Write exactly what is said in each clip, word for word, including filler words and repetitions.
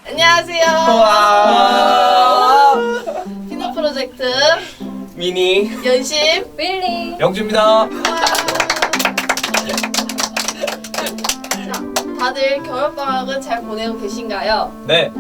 안녕하세요. 와. 피넛 프로젝트 미니 연심 윌리 영주입니다. 자, 다들 겨울방학은 잘 보내고 계신가요? 네.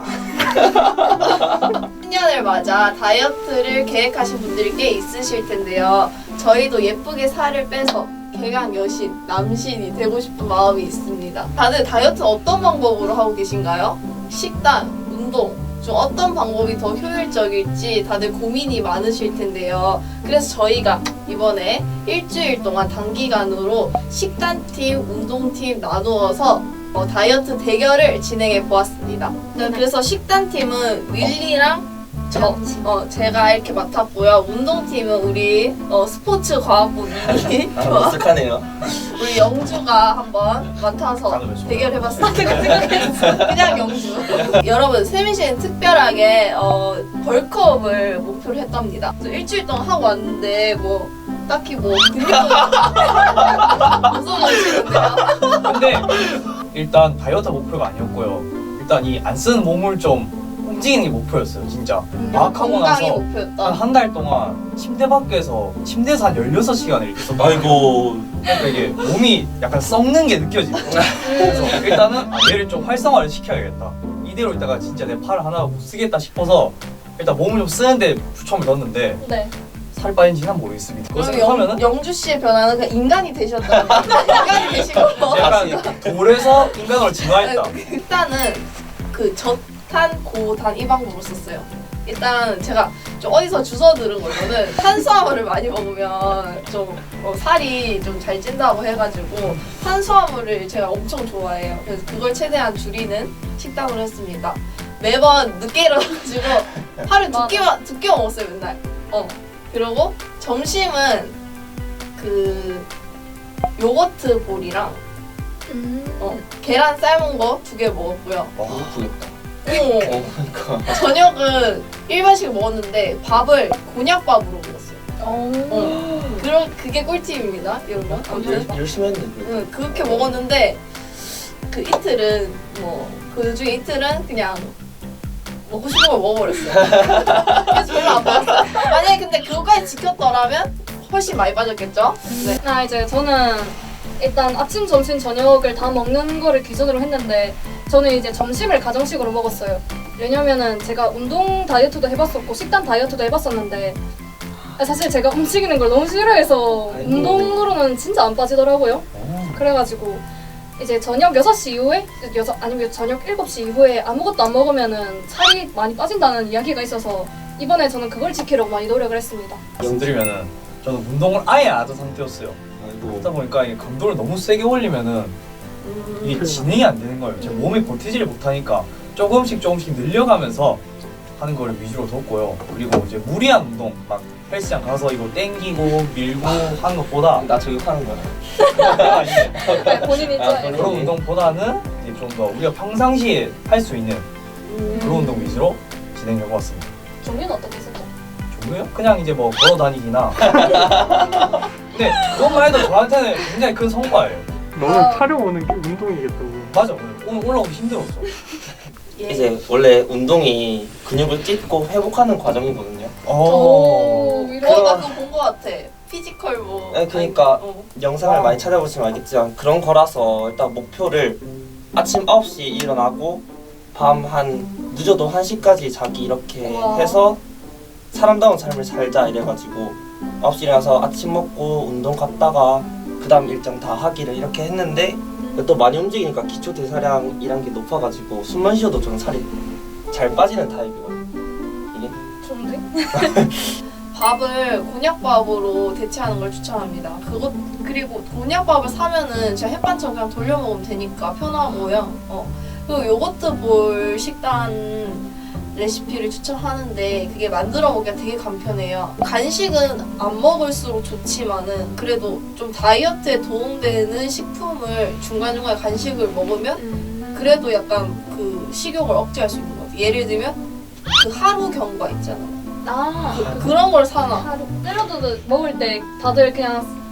신년을 맞아 다이어트를 계획하신 분들이 꽤 있으실 텐데요. 저희도 예쁘게 살을 빼서 개강 여신, 남신이 되고 싶은 마음이 있습니다. 다들 다이어트 어떤 방법으로 하고 계신가요? 식단, 운동 중 어떤 방법이 더 효율적일지 다들 고민이 많으실 텐데요. 그래서 저희가 이번에 일주일 동안 단기간으로 식단팀, 운동팀 나누어서 어, 다이어트 대결을 진행해 보았습니다. 그래서 식단팀은 윌리랑 저, 어, 제가 이렇게 맡았고요. 운동팀은 우리 어, 스포츠 과학부 미니 아, 어색하네요. 우리 영주가 한번 맡아서 대결해봤습니다. 그냥 영주. 여러분 세민 씨는 특별하게 어, 벌크업을 목표로 했답니다. 일주일 동안 하고 왔는데 뭐 딱히 뭐 근육은 없어지시는데요. 근데 일단 다이어트 목표가 아니었고요. 일단 이 안 쓰는 몸을 좀 움직이는 게 목표였어요. 진짜. 마학하고 건강이 나서 목표였다. 한 한 달 동안 침대 밖에서 침대에서 한 열여섯 시간을 이렇게 있었다. 아이고. 그러니까 이게 몸이 약간 썩는 게 느껴지는 거예요. 그래서 일단은 아, 얘를 좀 활성화를 시켜야겠다. 이대로 있다가 진짜 내 팔 하나 못 쓰겠다 싶어서 일단 몸을 좀 쓰는데 초점을 넣었는데 네. 살 빠진지는 모르겠습니다. 그거 그럼 생각하면은 영, 영주 씨의 변화는 그냥 인간이 되셨다. 인간이 되시고. 약간 돌에서 인간으로 진화했다. 일단은 그 저탄, 고단 이 방법을 썼어요. 일단 제가 좀 어디서 주워 들은 거는 탄수화물을 많이 먹으면 좀 어, 살이 좀 잘 찐다고 해가지고 탄수화물을 제가 엄청 좋아해요. 그래서 그걸 최대한 줄이는 식단으로 했습니다. 매번 늦게 일어나가지고 하루 두 끼만 두 끼 먹었어요 맨날. 어 그리고 점심은 그 요거트 볼이랑 음. 어, 계란 삶은 거 두 개 먹었고요. 와, 아프겠다. 어, 어, 그러니까. 저녁은 일반식 먹었는데 밥을 곤약밥으로 먹었어요. 어. 어. 그런 그게 꿀팁입니다, 여러분. 아무튼 열- 열심히 했는데. 응, 그렇게 먹었는데 그 이틀은 뭐 그 중에 이틀은 그냥 먹고 싶은 걸 먹어버렸어요. 그래서 별로 안 빠졌어요. 만약에 근데 그거까지 지켰더라면 훨씬 많이 빠졌겠죠? 네. 아 이제 저는 일단 아침, 점심, 저녁을 다 먹는 거를 기준으로 했는데 저는 이제 점심을 가정식으로 먹었어요. 왜냐면은 제가 운동 다이어트도 해봤었고 식단 다이어트도 해봤었는데 사실 제가 움직이는 걸 너무 싫어해서 아이고. 운동으로는 진짜 안 빠지더라고요. 그래가지고 이제 저녁 여섯 시 이후에 여섯 아니면 저녁 일곱 시 이후에 아무것도 안 먹으면은 살이 많이 빠진다는 이야기가 있어서 이번에 저는 그걸 지키려고 많이 노력을 했습니다. 말씀드리면은 저는 운동을 아예 안 하던 상태였어요. 아이고. 그러다 보니까 이게 강도를 너무 세게 올리면은 이게 진행이 안 되는 거예요. 제 몸이 버티지를 못하니까 조금씩 조금씩 늘려가면서 하는 거를 위주로 뒀고요. 그리고 이제 무리한 운동, 막 헬스장 가서 이거 땡기고 밀고 하는 것보다 나 저격하는 거야. 네, 본인이 아, 좋아해요. 본인. 그런 운동보다는 이제 좀 더 우리가 평상시에 할 수 있는 그런 운동 위주로 진행해 왔습니다. 종류는 어떻게 했었죠? 종류요? 그냥 이제 뭐 걸어 다니기나. 근데 그것만 해도 저한테는 굉장히 큰 성과예요. 너는 아. 타령오는 게 운동이겠다고. 맞아, 오늘 올라오기 힘들었어. 예. 이제 원래 운동이 근육을 찢고 회복하는 과정이거든요. 오, 위로. 어, 나 그거 본 거 같아. 피지컬 뭐. 네, 그러니까 아니, 어. 영상을 아. 많이 찾아보시면 알겠지만 그런 거라서 일단 목표를 아침 아홉 시에 일어나고 밤 한 늦어도 한 시까지 자기 이렇게 우와. 해서 사람다운 삶을 살자 이래가지고 아홉 시에 일어나서 아침 먹고 운동 갔다가 그 다음 일정 다 하기를 이렇게 했는데 또 많이 움직이니까 기초 대사량이란 게 높아가지고 숨만 쉬어도 저는 살이 잘 빠지는 타입이거든요. 이게 좋은데? 밥을 곤약밥으로 대체하는 걸 추천합니다. 그것 그리고 곤약밥을 사면은 진짜 햇반처럼 그냥 돌려 먹으면 되니까 편하고요. 어. 그리고 요거트 볼 식단 레시피를 추천하는데 그게 만들어 먹기가 되게 간편해요. 간식은 안 먹을수록 좋지만은 그래도 좀 다이어트에 도움되는 식품을 중간중간에 간식을 먹으면 그래도 약간 그 식욕을 억제할 수 있는 것 같아요. 예를 들면 그 하루 경과 있잖아요. 아, 그, 그런 걸 사놔. 하루 샐러드 먹을 때 다들 그냥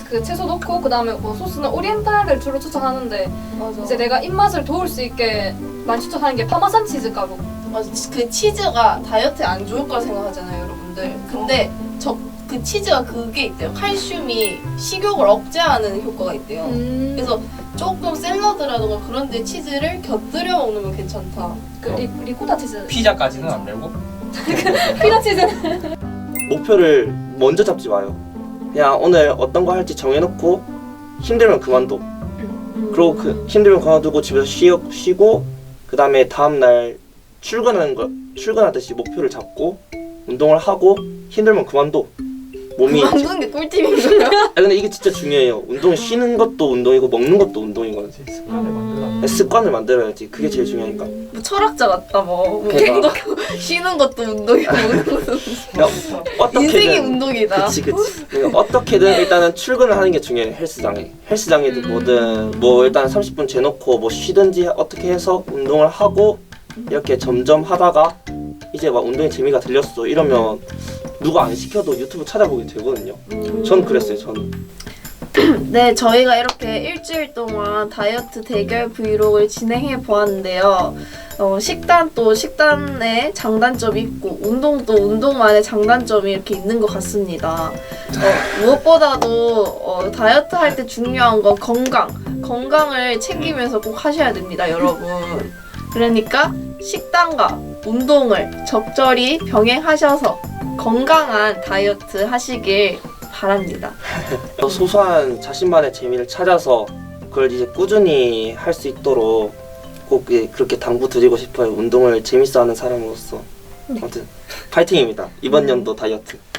그 채소 넣고 그 다음에 뭐 소스는 오리엔탈을 주로 추천하는데 맞아. 이제 내가 입맛을 도울 수 있게 많이 추천하는 게 파마산 치즈 가루. 맞아. 그 치즈가 다이어트에 안 좋을 거라 생각하잖아요, 여러분들. 근데 저 그 치즈가 그게 있대요. 칼슘이 식욕을 억제하는 효과가 있대요. 음. 그래서 조금 샐러드라든가 그런 데 치즈를 곁들여 먹으면 괜찮다. 그 리, 리코타 치즈. 피자까지는 안 되고 피자 치즈는 목표를 먼저 잡지 마요. 그냥 오늘 어떤 거 할지 정해놓고 힘들면 그만둬. 그리고 그 힘들면 그만두고 집에서 쉬, 쉬고 그 다음에 다음날 출근하는 거 출근하듯이 목표를 잡고 운동을 하고 힘들면 그만둬. 몸이 만드는 게 꿀팁인가요? 아 근데 이게 진짜 중요해요. 운동 쉬는 것도 운동이고 먹는 것도 운동이거든. 습관을 만들라. 습관을 만들어야지. 그게 제일 중요하니까. 뭐 철학자 같다 뭐. 뭐 그러니까. 운동, 쉬는 것도 운동이고 먹는 것도 야, 어떻게든 인생이 운동이다. 그치 그치. 그러니까 어떻게든 일단은 출근을 하는 게 중요해. 헬스장에. 헬스장이든 음. 뭐든 뭐 일단 삼십 분 재놓고 뭐 쉬든지 어떻게 해서 운동을 하고 이렇게 점점 하다가 이제 막 운동에 재미가 들렸어. 이러면 누가 안 시켜도 유튜브 찾아보게 되거든요. 전 그랬어요. 저는. 네, 저희가 이렇게 일주일 동안 다이어트 대결 브이로그를 진행해 보았는데요. 어, 식단도 식단의 장단점이 있고 운동도 운동만의 장단점이 이렇게 있는 것 같습니다. 어, 무엇보다도 어, 다이어트 할 때 중요한 건 건강. 건강을 챙기면서 꼭 하셔야 됩니다, 여러분. 그러니까 식단과 운동을 적절히 병행하셔서 건강한 다이어트 하시길 바랍니다. 소소한 자신만의 재미를 찾아서 그걸 이제 꾸준히 할 수 있도록 꼭 그렇게 당부 드리고 싶어요. 운동을 재밌어하는 사람으로서. 아무튼 파이팅입니다. 이번 연도 다이어트.